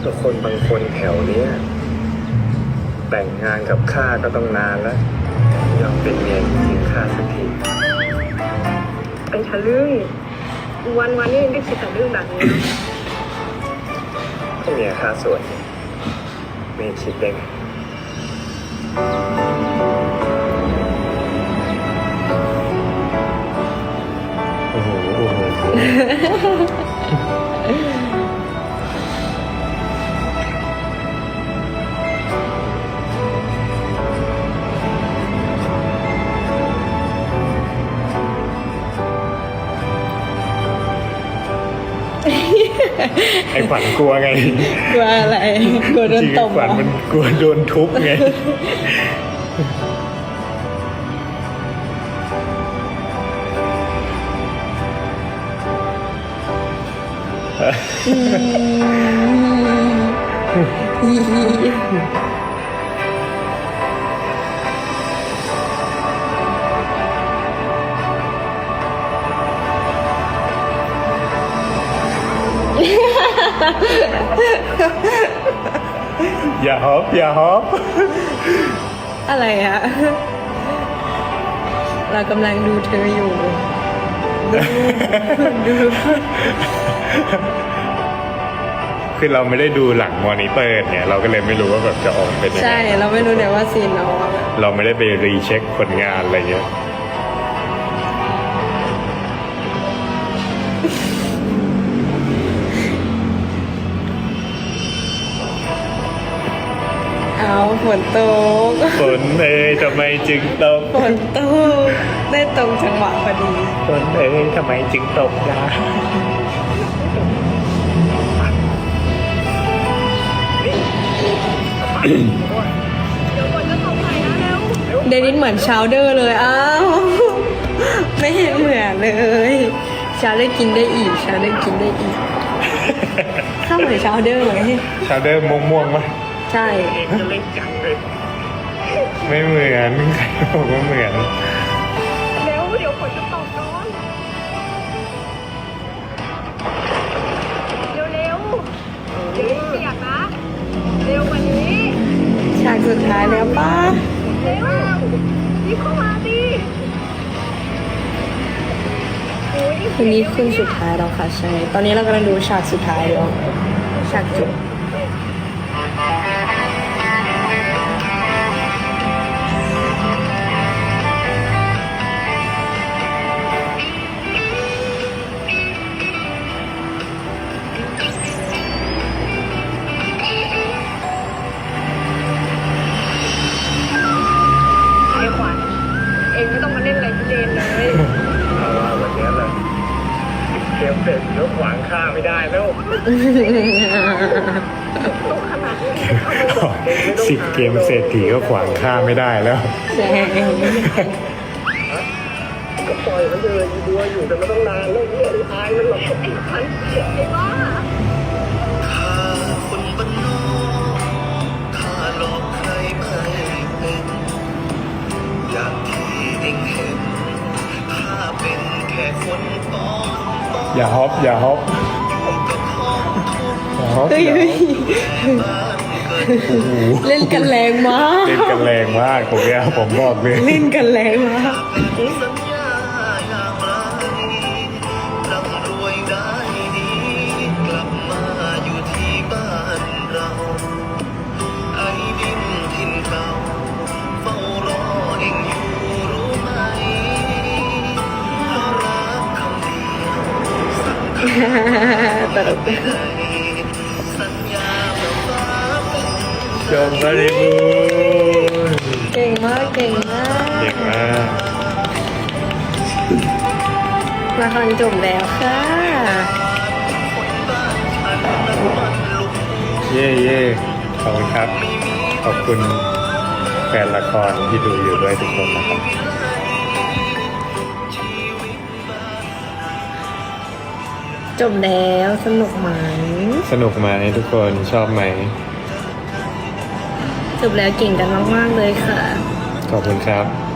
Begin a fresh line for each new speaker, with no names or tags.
คนบางคนแถวเนี้ยแต่งงานกับข้าก็ต้องนานแล้วยอมเป็นเมียจริงข้าสักที
ไปทะลึ่งวันนี้ยังได้คิดแต่เรื่องแบบนี้นะ
ก็เมียข้าสวยไม่คิดได้ไงโอ้โหโอ้โหไอ้ขวัญกลัวไง
กลัวอะไรกลัวโดน
จริง
ต
ไอ้
บ
ขวัญมันกลัวโดนทุบไง อย่าฮอปอย่าฮอป
อะไรอะเรากำลังดูเธออยู่ ดู
คือเราไม่ได้ดูหลังมอนิเตอร์เนี่ยเราก็เลยไม่รู้ว่าแบบจะออกเป็นยังไง
ใช่เราไม่รู้เนี่ยว่าซีนน้องอะ
เราไม่ได้ไปรีเช็คผลงานอะไรเงี้ย
เอาฝนตก
ฝนเอ้ยทำไมจึงตก
ฝนตกได้ตรงจังหวะพอดี
ฝนเอ้ยทำไมจึงตกนะ
เดี๋ยวฝนจะตกใส่นะเร็ว
เดนิสเหมือนชาวเดอร์เลยอ้าวไม่เห็นเหมือนเลยชาวเดอร์กินได้อีกชาวเดอร์กินได้อีกข้าวเหมือนชาวเดอร์ไหม
ชาวเดอร์ม่วงๆมั้ย
ใช่
จะเล่นจังเลยไม่เหมือนใครบอกว่าเหมือน
เร็วเดี๋ยวฝนจะตกน้องเร็วเดี๋ยวเปียกนะเร็วกว่านี้
ฉากสุดท้ายแล้วป้า
เร็วรีบเข้ามาดิโอ้ย
ทีนี้คืนสุดท้ายแล้วค่ะใช่ตอนนี้เรากำลังดูฉากสุดท้ายแล้วฉากจบ
ไอ้ขวัญเองไม่ต้องมาเล่นอะไรที่เดนเลย
เอาว่าวันนี้แหละเกมเสร็จแล้วขวางข้าไม่ได้แล้ว
ต้องขนาดนี้
10 เกมเศรษฐีก็ขวางข้าไม่ได้แล้ว
ใช่
ก็ปล่อยมันเลยดูอยู่แต่ไม่ต้องนานแล้วเนี่ยอายมันหรอก
ไอ้ขวัญไอ้บ้า
ข้าคนบ้านนอกข้าหลอกใครไม่เป็น อย่างที่เองเห็นข้าเป็นแค่คนตอน
อย่าฮอปอย่าฮอป
อยู่กับท้องทุ่ง
อย่าฮอป
เฮ้ย
อย่าฮอป
บ้านเกิด
โอ้โห
เล่นกันแรงมาก
เล่นกันแรงมากผมเนี่ยผมบอกเลย
เล่นกันแรงมาก
สัญญาอย่างไรร่ำรวยได้ดี กลับมาอยู่ที่บ้านเรา ไอ้ดินถิ่นเก่าเฝ้ารอเองอยู่รู้ไหมเพราะรักคำเดียวสั่งคำ
ตลก
ไม่ได้สัญญาแบบฟ้าเป็น
จบบริบูรณ์
เก่งมากเก่งมาก
เก่งมาก
ละครจบแล้วค่ะ
เย่เย่ขอบคุณครับ ขอบคุณแฟนละครที่ดูอยู่ด้วยทุกคนนะครับ
จบแล้วสนุกไหม
สนุกไหมทุกคนชอบไหม
จบแล้วเก่งกันมากๆเลยค่ะ
ขอบคุณครับ